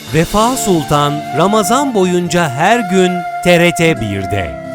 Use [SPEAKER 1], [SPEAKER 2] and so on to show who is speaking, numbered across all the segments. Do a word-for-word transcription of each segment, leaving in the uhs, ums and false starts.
[SPEAKER 1] Vefa Sultan Ramazan boyunca her gün T R T bir'de.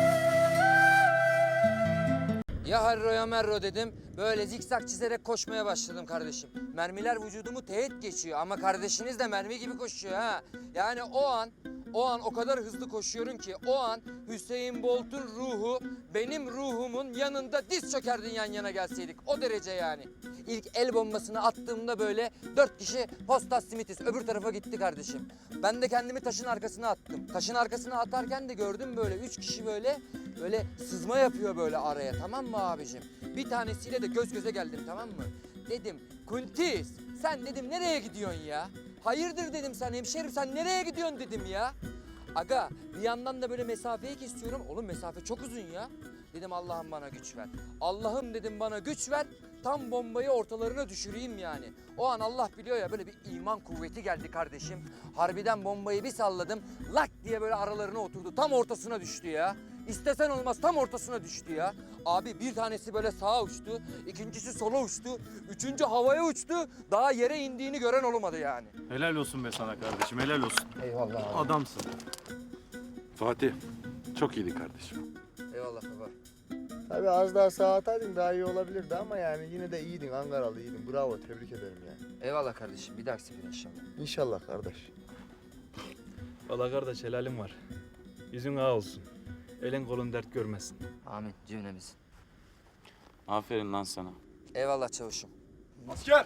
[SPEAKER 2] Ya harro ya merro dedim. Böyle zikzak çizerek koşmaya başladım kardeşim. Mermiler vücudumu teğet geçiyor ama kardeşiniz de mermi gibi koşuyor ha. Yani o an, o an o kadar hızlı koşuyorum ki o an Hüseyin Bolt'un ruhu benim ruhumun yanında diz çökerdin yan yana gelseydik. O derece yani. İlk el bombasını attığımda böyle dört kişi Postas Simitis öbür tarafa gitti kardeşim. Ben de kendimi taşın arkasına attım. Taşın arkasına atarken de gördüm böyle üç kişi böyle böyle sızma yapıyor böyle araya, tamam mı abicim? Bir tanesiyle de göz göze geldim, tamam mı? Dedim Kuntis sen dedim nereye gidiyorsun ya? Hayırdır dedim, sen hemşerim sen nereye gidiyorsun dedim ya. Aga bir yandan da böyle mesafeyi kesiyorum. Oğlum mesafe çok uzun ya. Dedim Allah'ım bana güç ver. Allah'ım dedim bana güç ver. Tam bombayı ortalarına düşüreyim yani. O an Allah biliyor ya böyle bir iman kuvveti geldi kardeşim. Harbiden bombayı bir salladım. Lak diye böyle aralarına oturdu. Tam ortasına düştü ya. İstesen olmaz tam ortasına düştü ya. Abi bir tanesi böyle sağa uçtu. İkincisi sola uçtu. Üçüncü havaya uçtu. Daha yere indiğini gören olmadı yani.
[SPEAKER 3] Helal olsun be sana kardeşim, helal olsun.
[SPEAKER 2] Eyvallah abi.
[SPEAKER 3] Adamsın.
[SPEAKER 4] Fatih, çok iyiydi kardeşim.
[SPEAKER 2] Eyvallah baba.
[SPEAKER 5] Tabii az daha sağa ataydın daha iyi olabilirdi ama yani yine de iyiydin, Ankaralı iyiydin. Bravo, tebrik ederim yani.
[SPEAKER 2] Eyvallah kardeşim. Bir dahaki sefere inşallah.
[SPEAKER 5] İnşallah kardeş.
[SPEAKER 3] Valla kardeş helalim var. Yüzün ağa olsun. Elin kolun dert görmesin.
[SPEAKER 2] Amin cümlemiz.
[SPEAKER 4] Aferin lan sana.
[SPEAKER 2] Eyvallah çavuşum.
[SPEAKER 3] Asker!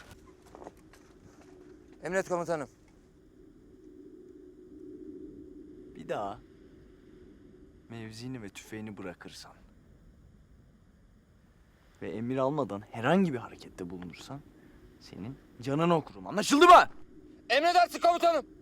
[SPEAKER 2] Emret komutanım.
[SPEAKER 6] Bir daha mevzini ve tüfeğini bırakırsan ve emir almadan herhangi bir harekette bulunursan senin canını okurum. Anlaşıldı mı?
[SPEAKER 2] Emredersin komutanım.